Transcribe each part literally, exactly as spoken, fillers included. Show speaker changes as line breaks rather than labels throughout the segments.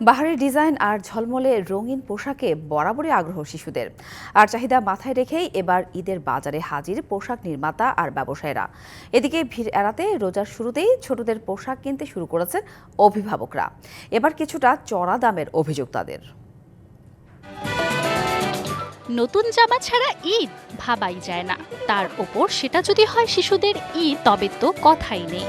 বাহারি ডিজাইন আর ঝলমলে রঙিন পোশাকে বরাবরই আগ্রহ শিশুদের। আর চাহিদা মাথায় রেখেই এবার ঈদের বাজারে হাজির পোশাক নির্মাতা আর ব্যবসায়ীরা। এদিকে ভিড় এড়াতে রোজার শুরুতেই ছোটদের পোশাক কিনতে শুরু করেছেন অভিভাবকরা। এবার কিছুটা চড়া দামের অভিযোগ তাদের।
নতুন জামা ছাড়া ঈদ ভাবাই যায় না, তার ওপর সেটা যদি হয় শিশুদের ঈদ, তবে তো কথাই নেই।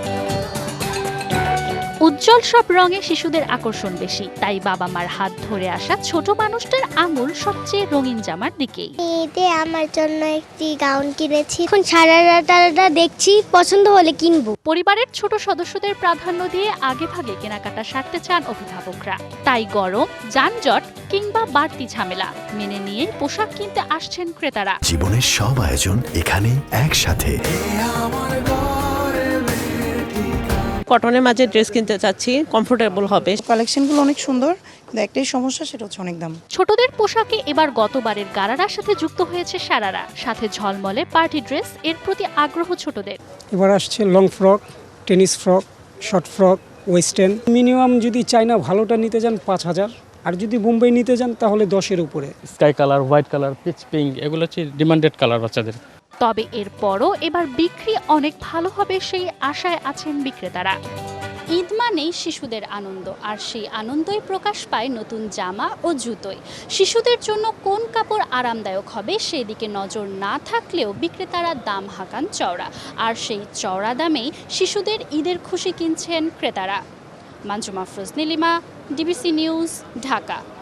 উজ্জ্বল সব রঙে শিশুদের আকর্ষণ বেশি, তাই বাবা মার হাত ধরে আসা ছোট মানুষটার আঙুল সবচেয়ে রঙিন জামার দিকেই।
ঈদে আমার জন্য একটি গাউন কিনেছি, এখন সারারাটা দেখছি, পছন্দ হলে কিনবো।
পরিবারের ছোট সদস্যদের প্রাধান্য দিয়ে আগে ভাগে কেনাকাটা সারতে চান অভিভাবকরা, তাই গরম, যানজট কিংবা বাড়তি ঝামেলা মেনে নিয়ে পোশাক কিনতে আসছেন ক্রেতারা।
জীবনের সব আয়োজন এখানে একসাথে।
কটনের মাঝে ড্রেস কিনতে চাচ্ছি, কমফোর্টেবল হবে।
কালেকশনগুলো অনেক সুন্দর, কিন্তু একটাই সমস্যা, সেটা হচ্ছে অনেক দাম।
ছোটদের পোশাকে এবার গতবারের গারারার সাথে যুক্ত হয়েছে সারারা, সাথে ঝলমলে পার্টি ড্রেস। এর প্রতি আগ্রহ ছোটদের।
এবার আসছে long frock, tennis frock, short frock, western. Minimum যদি চাইনা ভালোটা নিতে যান পাঁচ হাজার, আর যদি বোম্বাই নিতে যান তাহলে দশের উপরে।
Sky colour, white colour, peach pink, এগুলো হচ্ছে ডিমান্ডেড কালার বাচ্চাদের।
তবে এরপরও এবার বিক্রি অনেক ভালো হবে সেই আশায় আছেন বিক্রেতারা। ঈদ মানেই শিশুদের আনন্দ, আর সেই আনন্দই প্রকাশ পায় নতুন জামা ও জুতোয়। শিশুদের জন্য কোন কাপড় আরামদায়ক হবে সেই দিকে নজর না থাকলেও বিক্রেতারা দাম হাঁকান চওড়া, আর সেই চওড়া দামেই শিশুদের ঈদের খুশি কিনছেন ক্রেতারা। Manjuma Afroz Nilima, DBC news, Dhaka.